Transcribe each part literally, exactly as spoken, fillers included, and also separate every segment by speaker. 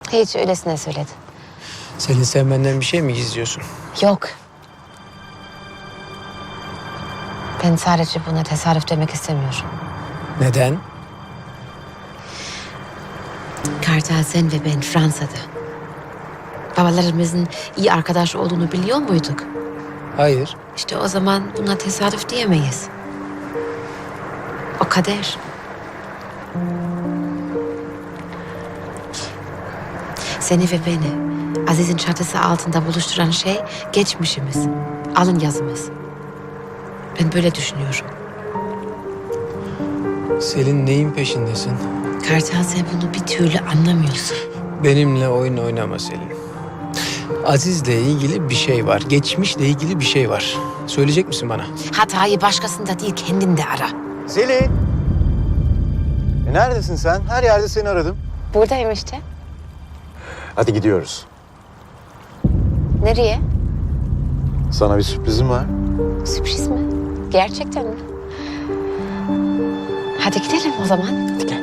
Speaker 1: Hiç öylesine söyledi.
Speaker 2: Selin, sen benden bir şey mi gizliyorsun?
Speaker 1: Yok. Ben sadece buna tesadüf demek istemiyorum.
Speaker 2: Neden?
Speaker 1: Kartal, sen ve ben Fransa'da. Babalarımızın iyi arkadaş olduğunu biliyor muyduk?
Speaker 2: Hayır.
Speaker 1: İşte o zaman buna tesadüf diyemeyiz. O kader. Seni ve beni Aziz'in çatısı altında buluşturan şey geçmişimiz, alın yazımız. Ben böyle düşünüyorum.
Speaker 2: Selin, neyin peşindesin?
Speaker 1: Kartal, sen bunu bir türlü anlamıyorsun.
Speaker 2: Benimle oyun oynama Selin. Aziz'le ilgili bir şey var. Geçmişle ilgili bir şey var. Söyleyecek misin bana?
Speaker 1: Hatayı başkasında değil, kendinde ara.
Speaker 3: Selin! E neredesin sen? Her yerde seni aradım.
Speaker 1: Buradayım işte.
Speaker 3: Hadi gidiyoruz.
Speaker 1: Nereye?
Speaker 3: Sana bir sürprizim var.
Speaker 1: Sürpriz mi? Gerçekten mi? Hadi gidelim o zaman.
Speaker 3: Hadi gel.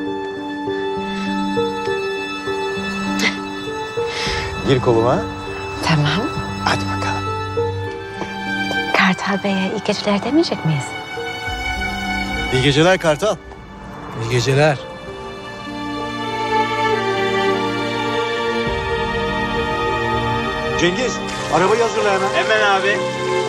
Speaker 3: Gir koluma.
Speaker 1: Tamam.
Speaker 3: Hadi bakalım.
Speaker 1: Kartal Bey'e iyi geceler demeyecek miyiz?
Speaker 3: İyi geceler Kartal.
Speaker 2: İyi geceler.
Speaker 3: Cengiz, arabayı hazırla hemen.
Speaker 4: Hemen abi.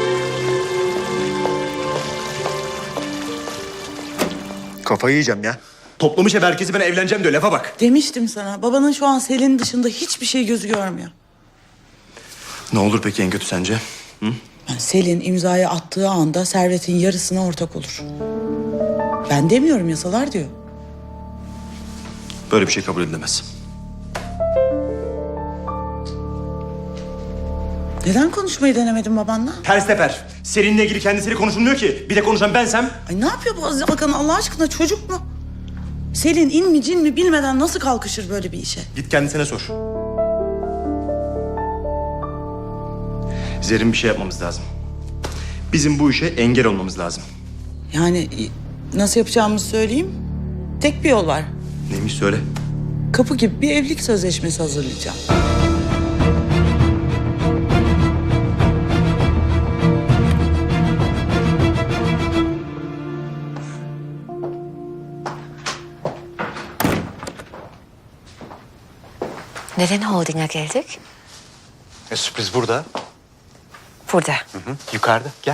Speaker 3: Kafayı yiyeceğim ya.
Speaker 4: Toplamış hep herkesi, ben evleneceğim diyor, lafa bak.
Speaker 5: Demiştim sana. Babanın şu an Selin'in dışında hiçbir şey gözü görmüyor.
Speaker 4: Ne olur peki en kötü sence?
Speaker 5: Yani Selin imzayı attığı anda servetin yarısına ortak olur. Ben demiyorum, yasalar diyor.
Speaker 4: Böyle bir şey kabul edilemez.
Speaker 5: Neden konuşmayı denemedin babanla?
Speaker 4: Ters teper. Seninle ilgili kendisiyle konuşulmuyor ki. Bir de konuşan bensem.
Speaker 5: Ay ne yapıyor bu Aziz Bakan Allah aşkına, çocuk mu? Selin in mi cin mi bilmeden nasıl kalkışır böyle bir işe?
Speaker 4: Git kendisine sor. Zerrin, bir şey yapmamız lazım. Bizim bu işe engel olmamız lazım.
Speaker 5: Yani nasıl yapacağımızı söyleyeyim. Tek bir yol var.
Speaker 4: Neymiş söyle.
Speaker 5: Kapı gibi bir evlilik sözleşmesi hazırlayacağım.
Speaker 1: Neden holdinga geldik?
Speaker 3: E, sürpriz burada.
Speaker 1: Burada.
Speaker 3: Hı hı. Yukarıda. Gel.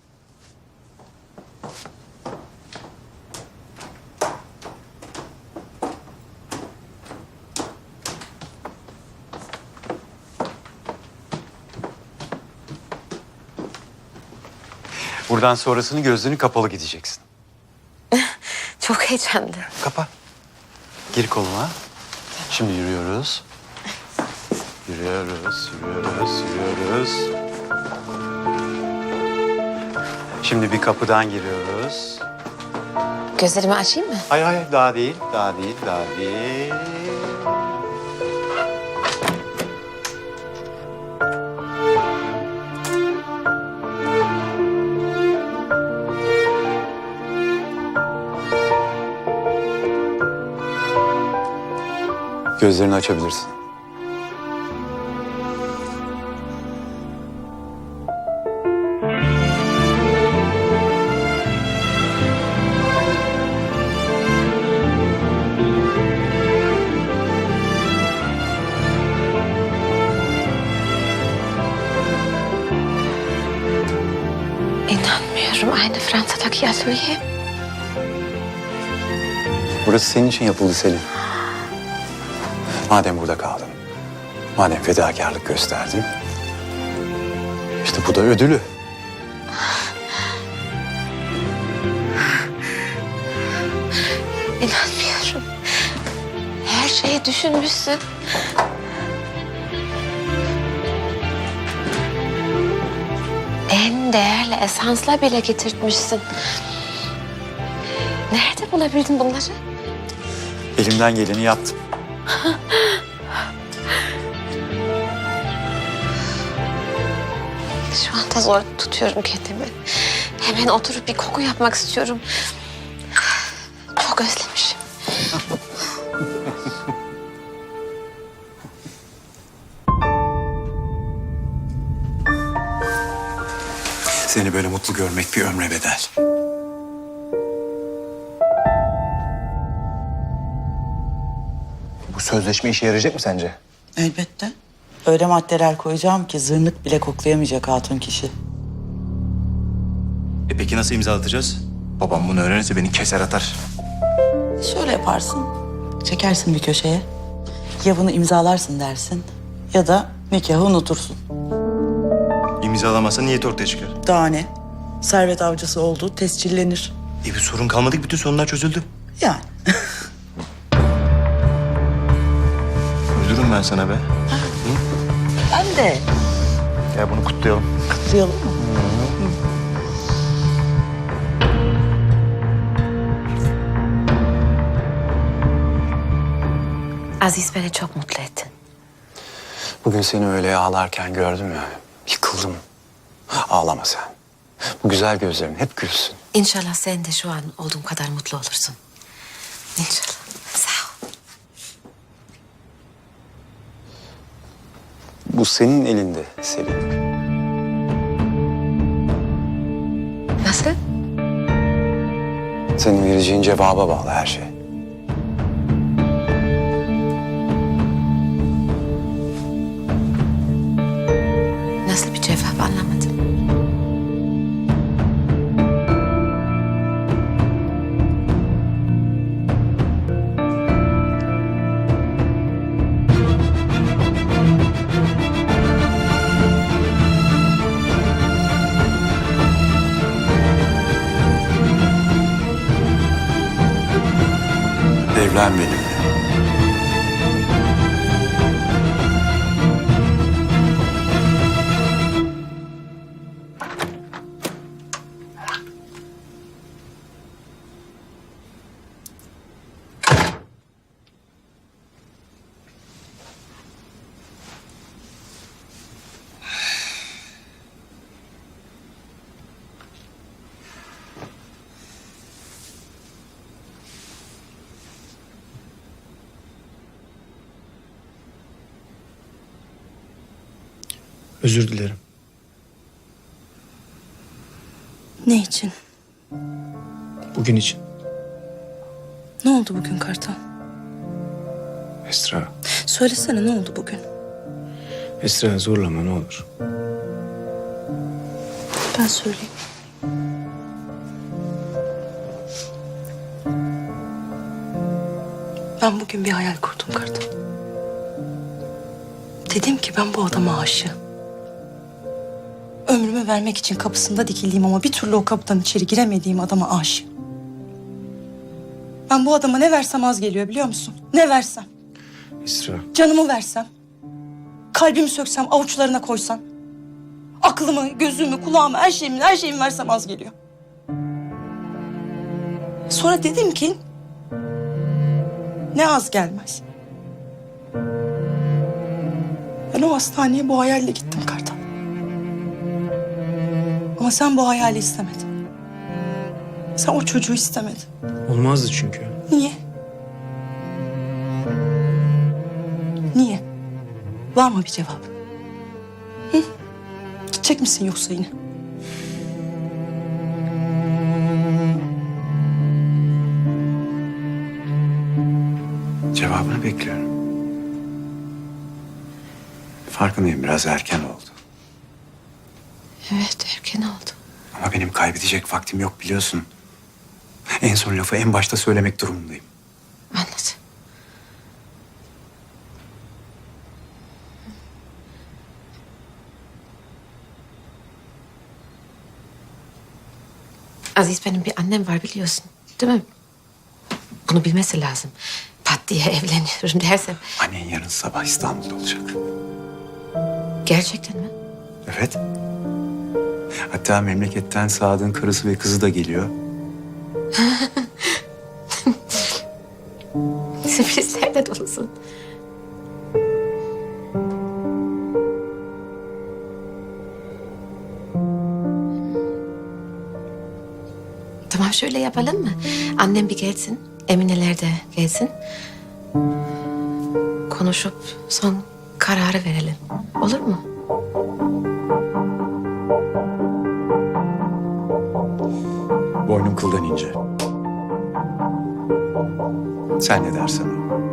Speaker 3: Buradan sonrasını gözlerini kapalı gideceksin.
Speaker 1: Çok heyecanlı.
Speaker 3: Kapa. Gir koluma. Şimdi yürüyoruz. Yürüyoruz, yürüyoruz, yürüyoruz. Şimdi bir kapıdan giriyoruz.
Speaker 1: Gözlerimi açayım mı?
Speaker 3: Hayır hayır, daha değil, daha değil, daha değil. Gözlerini açabilirsin.
Speaker 1: İnanmıyorum, aynı Fransa'daki atölye.
Speaker 3: Burası senin için yapıldı Selin. Madem burada kaldın, madem fedakarlık gösterdin, işte bu da ödülü.
Speaker 1: İnanmıyorum. Her şeyi düşünmüşsün. En değerli esansla bile getirtmişsin. Nerede bulabildin bunları?
Speaker 3: Elimden geleni yaptım.
Speaker 1: Şu anda zor tutuyorum kendimi. Hemen oturup bir koku yapmak istiyorum. Çok özlemişim.
Speaker 3: Seni böyle mutlu görmek bir ömre bedel.
Speaker 6: Bu sözleşme işe yarayacak mı sence?
Speaker 5: Elbette. Öyle maddeler koyacağım ki zırnık bile koklayamayacak hatun kişi.
Speaker 4: E peki nasıl imzalatacağız? Babam bunu öğrenirse beni keser atar.
Speaker 5: Şöyle yaparsın. Çekersin bir köşeye. Ya bunu imzalarsın dersin ya da nikahı unutursun.
Speaker 4: İmzalamazsa niyet ortaya çıkar.
Speaker 5: Daha ne? Servet avcısı olduğu tescillenir.
Speaker 4: E bir sorun kalmadı ki bütün sorunlar çözüldü.
Speaker 5: Yani.
Speaker 4: Uydurum ben sana be.
Speaker 5: Ben de.
Speaker 4: Ya bunu kutlayalım.
Speaker 5: Kutlayalım mı?
Speaker 1: Aziz, beni çok mutlu ettin.
Speaker 3: Bugün seni öyle ağlarken gördüm ya. Yıkıldım. Ağlama sen. Bu güzel gözlerin hep gülsün.
Speaker 1: İnşallah sen de şu an olduğum kadar mutlu olursun. İnşallah. Sağ ol.
Speaker 3: Bu senin elinde Selin.
Speaker 1: Nasıl?
Speaker 3: Senin vereceğin cevaba bağlı her şey.
Speaker 1: Nasıl bir cevap anlamadım.
Speaker 3: Evlen benimle.
Speaker 2: Özür dilerim.
Speaker 7: Ne için?
Speaker 2: Bugün için.
Speaker 7: Ne oldu bugün Kartal?
Speaker 2: Esra.
Speaker 7: Söylesene ne oldu bugün?
Speaker 2: Esra zorlama ne olur.
Speaker 7: Ben söyleyeyim. Ben bugün bir hayal kurdum Kartal. Dedim ki ben bu adama aşığım. Ömrümü vermek için kapısında dikildiğim ama bir türlü o kapıdan içeri giremediğim adama aşığım. Ben bu adama ne versem az geliyor biliyor musun? Ne versem.
Speaker 2: Esra.
Speaker 7: Canımı versem. Kalbimi söksem, avuçlarına koysam. Aklımı, gözümü, kulağımı, her şeyimi, her şeyimi versem az geliyor. Sonra dedim ki... ne az gelmez. Ben o hastaneye bu hayalle gittim Kartal. Ama sen bu hayali istemedin. Sen o çocuğu istemedin.
Speaker 2: Olmazdı çünkü.
Speaker 7: Niye? Niye? Var mı bir cevap? Hı? Gidecek misin yoksa yine?
Speaker 3: Cevabını bekliyorum. Farkındayım biraz erken oldu.
Speaker 1: Evet, erken oldu.
Speaker 3: Ama benim kaybedecek vaktim yok biliyorsun. En son lafı en başta söylemek durumundayım.
Speaker 1: Anladım. Aziz, benim bir annem var biliyorsun. Değil mi? Bunu bilmesi lazım. Pat diye evleniyorum dersem.
Speaker 3: Annen yarın sabah İstanbul'da olacak.
Speaker 1: Gerçekten mi?
Speaker 3: Evet. Hatta memleketten Sadık'ın karısı ve kızı da geliyor.
Speaker 1: Sürprizlerle dolusun. Tamam, şöyle yapalım mı? Annem bir gelsin, Emineler de gelsin. Konuşup son kararı verelim. Olur mu?
Speaker 3: boynum kıldan ince. Sen ne dersen o.